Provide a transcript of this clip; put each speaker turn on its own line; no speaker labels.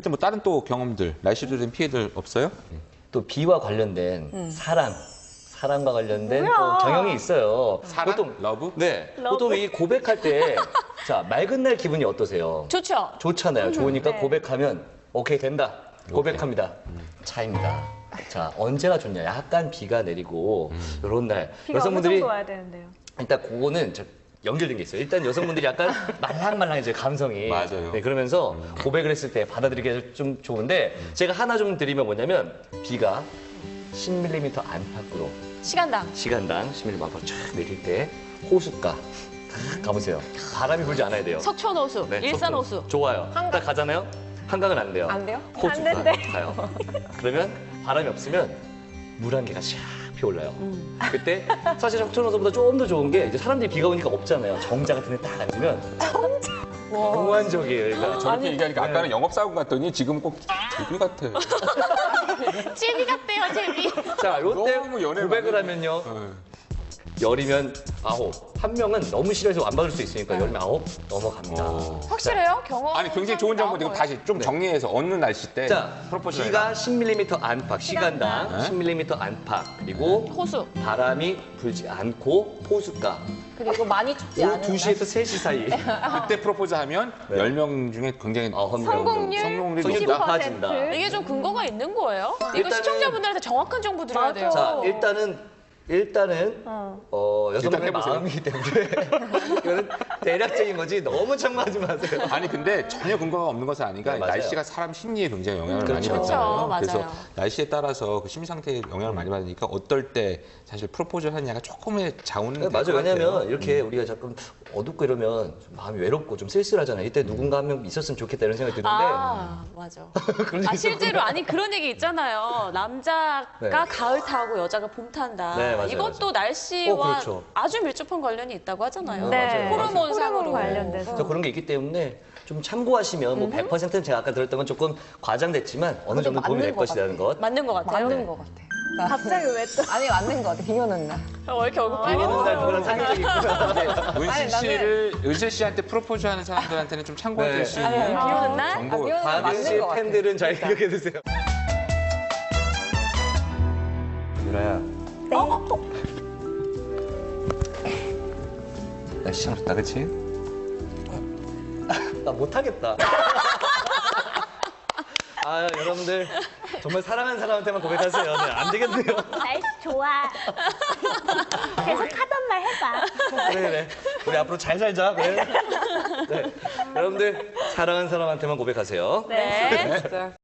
실제 뭐 다른 또 경험들, 날씨로 된 피해들 없어요?
또 비와 관련된 사랑과 관련된 또 경영이 있어요.
사랑?
보통
러브?
네, 보통 이 고백할 때 자, 맑은 날 기분이 어떠세요?
좋죠.
좋잖아요. 좋으니까
네.
고백하면 오케이 된다. 고백합니다. 차입니다. 자, 언제가 좋냐? 약간 비가 내리고 이런 날
비가
여성분들이
어느 정도 와야 되는데요.
일단 그거는 연결된 게 있어요. 일단 여성분들이 약간 말랑말랑해져요, 감성이.
맞아요.
네, 그러면서 고백을 했을 때 받아들이기 좀 좋은데 제가 하나 좀 드리면 뭐냐면 비가 10mm 안팎으로
시간당.
시간당 10mm 안팎으로 쫙 내릴 때 호숫가 가보세요. 바람이 불지 않아야 돼요.
석촌호수,
네,
일산호수.
좋아요. 딱 가잖아요. 한강은 안 돼요.
안 돼요?
호숫가
안 된대.
가요. 그러면 바람이 없으면 물 한 개가 샥 피어올라요. 그때 사실 석촌호수보다 조금 더 좋은 게 이제 사람들이 비가 오니까 없잖아요. 정자 같은 데 딱 앉으면 몽환적이에요. 그러니까
저렇게 얘기하니까 아까는 영업사원 같더니 지금 꼭 제비 같아.
제비 같대요, 제비.
자, 요때
너무 연애를
고백을
많이
하면요.
네.
열이면 9. 한 명은 너무 싫어해서 안 받을 수 있으니까 열이면 9 넘어갑니다.
확실해요? 경험.
아니 굉장히 좋은 정보 지금 다시 좀 정리해서 어느 날씨 때
자,
프로포즈를
비가 10mm 안팎, 시간당
네.
10mm 안팎, 그리고
호수.
바람이 불지 않고 호숫가.
그리고 많이 춥지
오후
않은
2시에서 3시 사이.
그때 프로포즈하면
네.
10명 중에 굉장히
성공률
성공률이
90%.
높아진다.
이게 좀 근거가 있는 거예요? 이거
일단은-
시청자분들한테 정확한 정보 드려야 돼요.
자, 일단은 여성분의
해보세요.
마음이기 때문에 이거는 대략적인 거지 너무 참고하지 마세요.
아니 근데 전혀 근거가 없는 것은 아니니까
네, 맞아요.
날씨가 사람 심리에 굉장히 영향을 많이
그렇죠.
받잖아요.
맞아요.
그래서 날씨에 따라서 그 심리 상태에 영향을 많이 받으니까 어떨 때 사실 프로포즈를 하느냐가 조금의 자원은
네,
될것
맞아요.
같아요.
왜냐면 이렇게 우리가 자꾸 어둡고 이러면 좀 마음이 외롭고 좀 쓸쓸하잖아요. 이때 누군가 한 명 있었으면 좋겠다 이런 생각이 드는데
아, 맞아. 아, 실제로 아니 그런 얘기 있잖아요. 남자가
네.
가을 타고 여자가 봄 탄다.
네, 맞아요,
이것도 날씨와
그렇죠.
아주 밀접한 관련이 있다고 하잖아요.
네.
호르몬상으로.
호르몬 관련돼서.
그래서 그런 게 있기 때문에 좀 참고하시면 뭐 100%는 제가 아까 들었던 건 조금 과장됐지만 어느 정도 도움이 될
맞는 것
것이라는 것.
맞는 것 같아요.
맞는 것 같아.
갑자기 왜 또?
아니 맞는 것 같아. 비 오는 날.
왜 이렇게 얼굴
비 오는 날 누구랑
빨개졌어요?
사귄 적이 있구나.
은실 씨한테 프로포즈하는 사람들한테는 좀 참고해
네.
줄 수
아니,
있는
비 오는 날?
정보.
비 오는 날
박윤
맞는
씨
것 같아.
팬들은 잘 기억해 두세요. 유라야. 날씨 참 좋다, 그치? 나 못하겠다. 아, 여러분들 정말 사랑하는 사람한테만 고백하세요. 네, 안 되겠네요.
날씨 좋아. 계속 하던 말 해봐.
그래. 우리 앞으로 잘 살자. 그래. 네. 여러분들 사랑하는 사람한테만 고백하세요.
네.
진짜.